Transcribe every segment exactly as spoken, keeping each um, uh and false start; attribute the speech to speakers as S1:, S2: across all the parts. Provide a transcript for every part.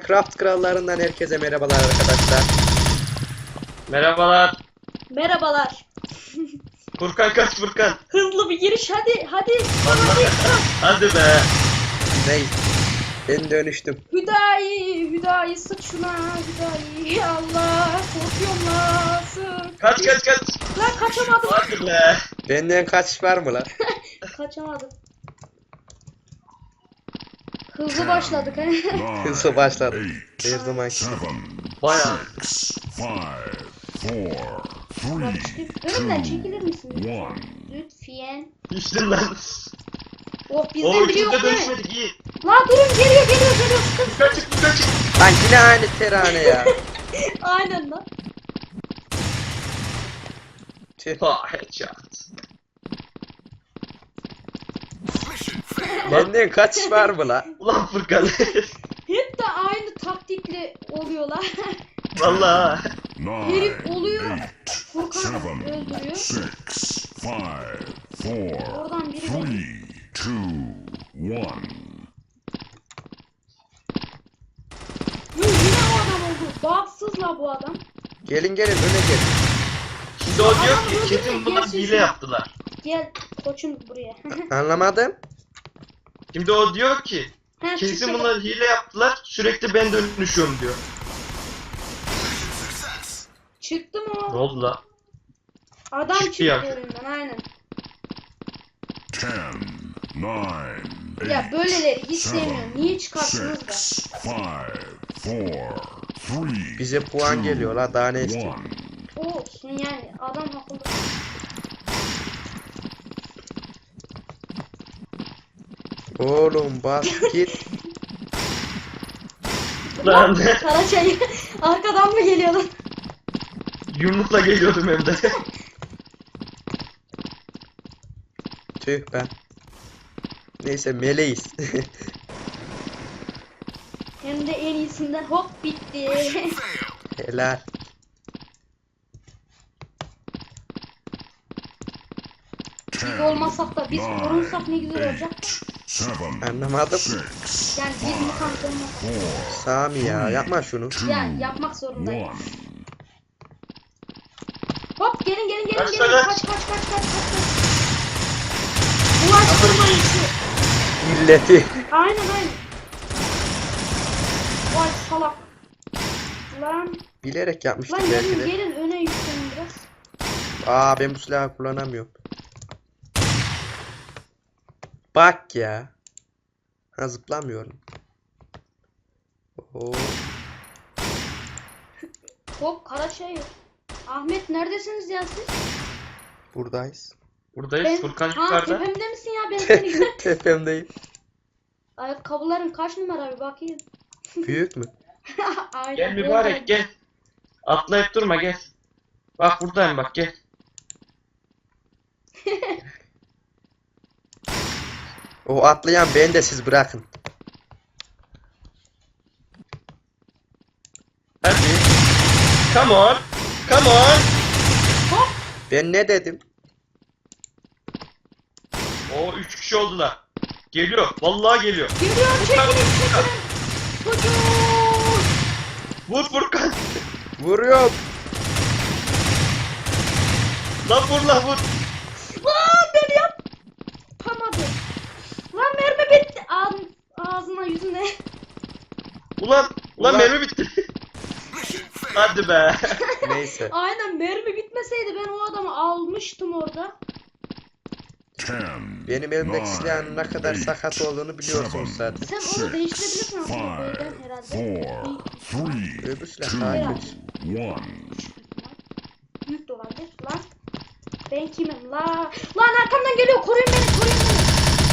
S1: Minecraft krallarından herkese merhabalar arkadaşlar.
S2: Merhabalar.
S3: Merhabalar.
S2: Furkan kaç Furkan?
S3: Hızlı bir giriş hadi hadi.
S2: Hadi be.
S1: Ney? Ben dönüştüm.
S3: Hüdayi, Hüdayi sık şuna Hüdayi. Allah korkuyorum la sık.
S2: Kaç kaç kaç.
S3: Lan kaçamadım.
S2: Hadi be.
S1: Benden kaçış var mı lan?
S3: Kaçamadım. Hızlı başladık he.
S1: Hızlı başladı. Her zaman.
S2: Bayağı.
S3: Bak işte önümden çekilir misin? Lütfen.
S2: İçtin lan.
S3: Oh
S2: O
S3: bizden biri yok
S2: üçümüzde
S3: değil mi?
S2: dönüşmedik iyi.
S3: La durun geliyor geliyor geliyor. Sıkın.
S2: Furkan çık Furkan çık.
S1: Lan yine aynı terane ya.
S3: Aynen lan.
S1: Tüh.
S2: Ha headshot.
S1: Benden kaçış var mı lan?
S2: Ulan Furkan.
S3: Hep de aynı taktikle oluyorlar.
S2: Vallahi.
S3: Herif oluyor. Furkan öldürüyor.
S4: Six, five, four,
S3: Oradan biri de
S4: three, two, one.
S3: Hı, yine o adam oldu. Bağımsız la bu adam.
S1: Gelin gelin öne gelin.
S2: Şimdi o diyor
S3: Adam
S2: ki
S3: öldü
S2: kesin
S3: mü?
S2: bunlar
S3: Gelsin
S2: hile
S3: şuna.
S2: yaptılar.
S3: Gel koçum buraya.
S1: Anlamadım.
S2: Şimdi o diyor ki
S3: Ha,
S2: kesin
S3: çıktı.
S2: bunlar hile yaptılar. Sürekli ben dönüşüyorum diyor.
S3: Çıktı mı
S2: Ne
S3: o?
S2: oldu la?
S3: Adam
S2: Çıktı
S3: çıktı
S2: ya.
S3: önünden aynen.
S4: Ten, nine,
S3: Ya
S4: eight,
S3: böyleleri hiç sevmiyorum. Niye çıkarsınız da?
S4: six, five, four, three,
S1: Bize puan geliyor la daha ne istiyor?
S4: one.
S3: Olsun yani adam akıllı.
S1: Oğlum bas git.
S2: Lan
S3: Karaçayı arkadan mı geliyor lan?
S2: yumrukla geliyordum hem de.
S1: Tüh be. Neyse meleğiz.
S3: Hem de en iyisinden hop bitti.
S1: Helal.
S3: Biz olmasak da biz korunsak ne güzel olacak.
S4: Seven,
S1: Anlamadım.
S4: six,
S3: Yani biz mutant olmasak.
S4: four,
S1: Sami ya yapma şunu.
S4: two,
S3: Yani yapmak zorundayım.
S4: one.
S3: Hop gelin gelin gelin
S2: Kaç
S3: gelin.
S2: tane?
S3: Kaç kaç kaç kaç kaç kaç. Ulaştırmayın şu.
S1: İlleti.
S3: Aynen aynen. Vay salak. Lan.
S1: Bilerek yapmıştık
S3: Lan
S1: belki
S3: gelin
S1: de.
S3: gelin öne yükselin biraz.
S1: Aa ben bu silahı kullanamıyorum. Bak ya. Ha zıplamıyorum. Oo.
S3: Hop Karaçayı. Ahmet neredesiniz ya siz?
S1: Buradayız.
S2: Buradayız. Furkan
S3: Ha
S2: yukarıda.
S3: tepemde misin ya ben seni gör.
S1: Tepemdeyim.
S3: Ayakkabıların kaç numara bir bakayım.
S1: Büyük mü?
S3: Aynen.
S2: Gel mübarek gel. Atlayıp durma gel. Bak buradayım bak gel.
S1: O atlayan ben de siz bırakın.
S2: Hadi. Come on. Come on.
S3: Hop.
S1: Ben ne dedim?
S2: O üç kişi oldular. Geliyor. Vallahi geliyor.
S3: Geliyor çekilin çekilin. Hocam.
S2: Vur Furkan.
S1: Vuruyorum.
S2: Lan vur lan vur.
S3: Lan beni yapamadı. Lan mermi bitti. Ağzın, ağzına yüzüne.
S2: Ulan. Ulan
S1: Ulan.
S2: mermi bitti. Hadi be.
S1: Neyse.
S3: Aynen mermi bitmeseydi ben o adamı almıştım orada.
S4: Ten,
S1: Benim elimdeki
S4: nine,
S1: silahın ne kadar
S4: eight,
S1: sakat olduğunu biliyorsunuz
S4: seven,
S1: zaten.
S3: Sen onu
S4: six,
S3: değiştirebilirsin aslında
S4: five,
S3: böyleden herhalde.
S4: four, three,
S1: Öbür silah
S4: two,
S1: daha
S3: Herhalde.
S1: kötü.
S4: one.
S3: Büyük de olabilir. Lan. Ben kimim la? Lan arkamdan geliyor. Koruyun beni koruyun beni.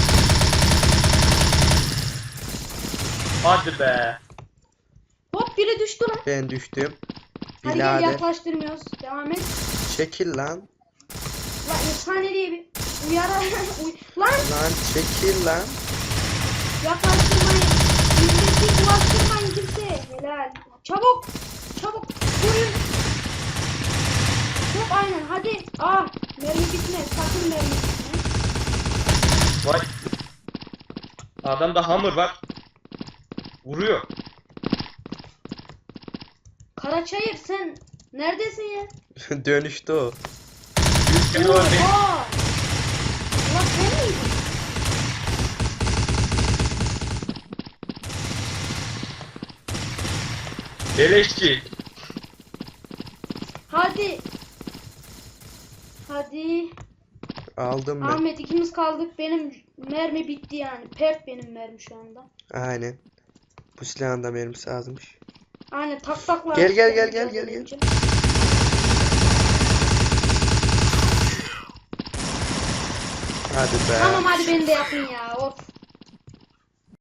S2: Hadi be.
S3: Hop biri düştü lan.
S1: Ben düştüm.
S3: Hadi gel
S1: Birader.
S3: yaklaştırmıyoruz. Devam et.
S1: Çekil lan.
S3: Lan efsane diye bir uyara. Uy lan
S1: Lan çekil lan.
S3: yaklaştırmayın. Milleti ulaştırmayın kimseye. Helal. Çabuk. Çabuk. Koruyun. Hop aynen hadi. Ah mermi bitme. Sakın mermi bitme.
S2: Vay. Adamda hammer var. Vuruyor.
S3: Karaçayır sen neredesin ya?
S1: Dönüştü o.
S2: Yüz kilo var benim.
S3: Oha! Ulan sen miydin?
S2: Beleşçi.
S3: Hadi. Hadi.
S1: Aldım ben.
S3: Ahmet ikimiz kaldık. Benim mermi bitti yani. Pert benim mermi şu anda.
S1: Aynen. Bu silahın da mermisi azmış.
S3: Aynen tak takla.
S1: Gel, gel, gel,
S3: atacağım
S1: gel, gel,
S3: önce.
S1: Hadi be.
S3: Tamam hadi beni de yapın ya. Of.